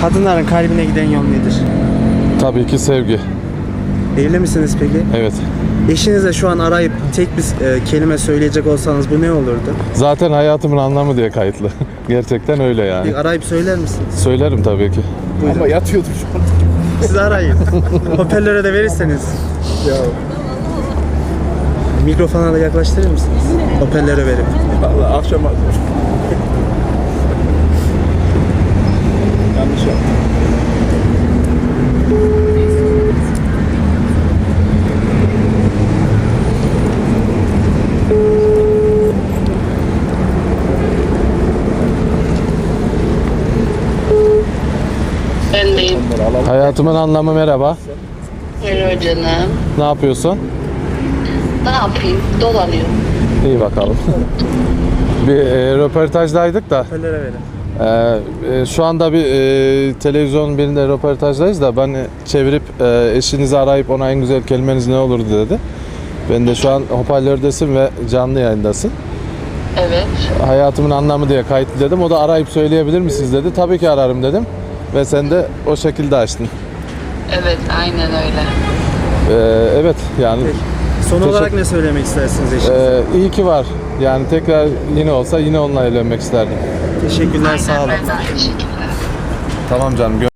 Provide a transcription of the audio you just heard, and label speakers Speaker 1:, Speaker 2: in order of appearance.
Speaker 1: Kadınların kalbine giden yol nedir?
Speaker 2: Tabii ki sevgi.
Speaker 1: Evli misiniz peki?
Speaker 2: Evet.
Speaker 1: Eşinize şu an arayıp tek bir kelime söyleyecek olsanız bu ne olurdu?
Speaker 2: Zaten hayatımın anlamı diye kayıtlı. Gerçekten öyle yani.
Speaker 1: Bir arayıp söyler misiniz?
Speaker 2: Söylerim tabii ki.
Speaker 1: Buyurun.
Speaker 3: Ama yatıyordur şu an.
Speaker 1: Siz arayın. Hoparlöre de verirseniz.
Speaker 3: Ya
Speaker 1: Mikrofona da yaklaştırır mısınız? Hoparlöre verip.
Speaker 3: vallahi akşam yanlış yaptım.
Speaker 4: Ben deyim.
Speaker 3: Onları alalım.
Speaker 2: Hayatımın anlamı merhaba.
Speaker 4: Merhaba canım.
Speaker 2: Ne yapıyorsun?
Speaker 4: Ne yapayım? Dolanıyorum.
Speaker 2: İyi bakalım. Bir röportajdaydık da
Speaker 1: Hoparlöre verin.
Speaker 2: şu anda bir televizyon birinde röportajdayız da ben çevirip eşinizi arayıp ona en güzel kelimeniz ne olurdu dedi. Ben de şu an hoparlördesin ve canlı yayındasın.
Speaker 4: Evet.
Speaker 2: Hayatımın anlamı diye kayıtlı dedim. O da arayıp söyleyebilir misiniz dedi. Tabii ki ararım dedim. Ve sen de o şekilde açtın.
Speaker 4: Evet, aynen öyle.
Speaker 2: Evet yani
Speaker 1: Son olarak
Speaker 2: Teşekkür-
Speaker 1: ne söylemek istersiniz eşinize?
Speaker 2: iyi ki var. Yani tekrar yine olsa yine onunla evlenmek isterdim.
Speaker 1: Teşekkürler, sağ olun.
Speaker 4: Ben de aynı şekilde.
Speaker 2: Tamam canım.